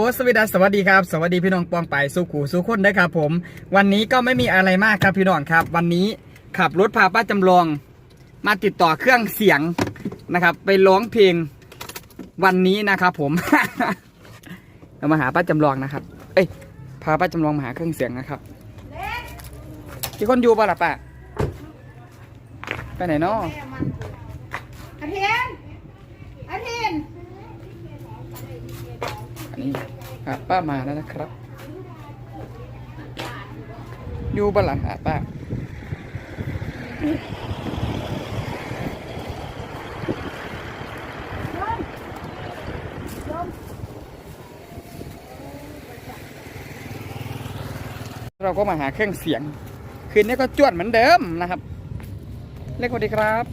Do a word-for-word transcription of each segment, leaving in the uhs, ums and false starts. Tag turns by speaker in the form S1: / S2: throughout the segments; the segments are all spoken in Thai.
S1: สวัสดีสวัสดีครับสวัสดีพี่น้องปองไปสุขูสุขคนนะครับผมวันนี้ก็ไม่มีอะไรมากครับพี่น้องครับวันนี้ขับรถพาป้าจำลองมาติดต่อเครื่องเสียงนะครับไปร้องเพลงวันนี้นะครับผม เรามาหาป้าจำลองนะครับเอ้ยพาป้าจำลองมาหาเครื่องเสียงนะครับที่คนอยู่ป่ะล่ะป้าไปไหนเนาะ
S2: อาเทียนอาเทียน
S1: อันนี้ครับป้ามาแล้วนะครับอยู่บ้านหลังหาป้าเราก็มาหาเครื่องเสียงคืนนี้ก็จวดเหมือนเดิมนะครับเล็กสวัสดีครับ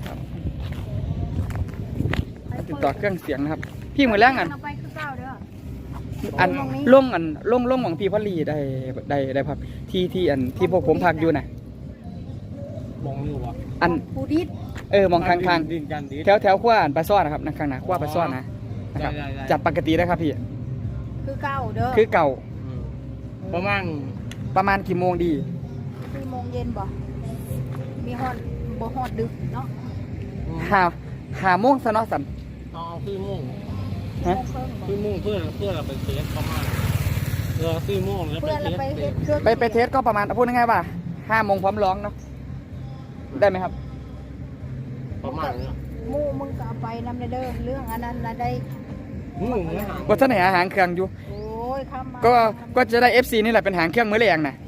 S1: ติดต่อเครื่องเสียงนะครับพี่มือแรงอันอันล่งอันล่งล่งของพี่พอลีได้ได้ได้พักที่ที่อันที่พวกผมพักอยู่นะ
S3: มองอยู่วะ
S1: อัน
S2: ปูดิด
S1: เออมองทางทางแถวแถวขั้วอันปลาซ่อนนะครับนะข้างหน้าขั้วปลาซ่อนนะนะครับจัดปกติได้ครับพี่
S2: คือเก่าเด้อ
S1: คือเก่า
S3: ประมาณ
S1: ประมาณกี่โมงดี
S2: สี่โมงเย็นบ่มีฮอดบ่ฮอดดึกเนาะ
S1: หาหาโมงซะเนาะสัน
S3: เอาสี่โมงฮะสี่โมงเพื่อเพื่อเราไปเทสประมาณเออสี่โมงแล้วไปเทส
S1: ไปไปเทสก็ประมาณพูดง่ายๆว่าห้าโมงพร้อมร้องเนาะได้ไหมครับ
S3: ประมาณนี้
S2: มู่มึงก็เอาไปนำเด้อเรื่องอันนั้นนะได้
S1: ก็ท่านไหนอาหารเครื่องอยู่
S2: โอ้ยข้ามมา
S1: ก็ก็จะได้ เอฟ ซี นี่แหละเป็นหางเครื่องมือแรงนะ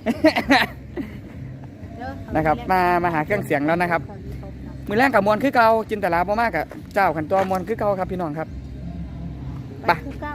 S1: นะครับมามาหาเครื่องเสียงแล้วนะครับมือแรงกับมวลคือเก่าจินตลาบ่มากกับเจ้าขันตัวมวลคือเก่าครับพี่น้องครับ
S2: ไปคือเก่า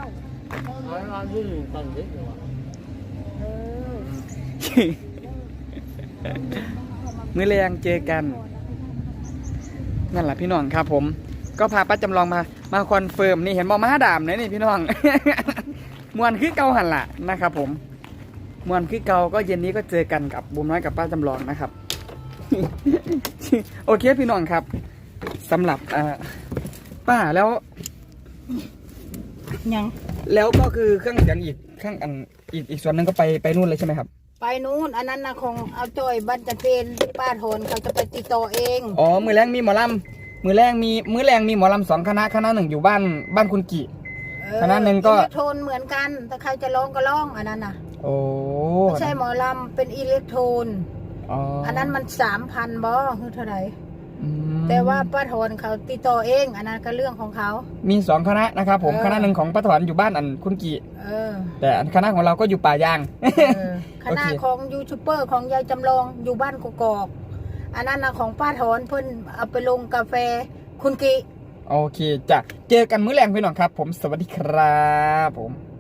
S1: มือแรงเจอกันนั่นแหละพี่น้องครับผมก็พาป้าจำลองมามาคอนเฟิร์มนี่เห็นบอมาดามเลยนี่พี่น้อง มวนคือเก่าหันละนะครับผมมวนคือเก่าก็เย็นนี้ก็เจอกันกับบุ๋มน้อยกับป้าจำลองนะครับ โอเคพี่น้องครับสำหรับป้าแล้ว
S2: ยัง
S1: แล้วก็คือเครื่องเสียงอีกเครื่องอันอีกอีกส่วนหนึ่งก็ไปไปนู่นเลยใช่ไหมครับ
S2: ไปนู่นอันนั้นนะของเอาจอยบันจะเพนป้าโทนเขาจะไปติดต่อเอง
S1: อ๋อมือแรงมีหมอลำมือแรงมีมือแรงมีหมอลำสองคณะคณะหนึ่งอยู่บ้านบ้านคุณกี่คณะหนึ่งก็
S2: อิเล็กโทนเหมือนกันแต่ใครจะร้องก็ร้องอันนั้นน่ะ
S1: โอ้
S2: ไม่ใช่หมอลำเป็นอิเล็กโทนอ๋ออันนั้นมันสามพันบอคือเท่าไหร่แต่ว่าป้าถอนเขาติดต่อเองอันนั้นก็เรื่องของเขา
S1: มีสองคณะนะครับผมคณะหนึ่งของป้าถอนอยู่บ้านอันคุณกี่แต่คณะของเราก็อยู่ป่ายาง
S2: คณะของยูทูบเบอร์ของยายจำลองอยู่บ้านกกอกอันนั้นนะของป้าถอนเพิ่นเอาไปลงกาแฟคุณกี่
S1: โอเคจ้ะเจอกันมื้อแรงพี่น้องครับผมสวัสดีครับผม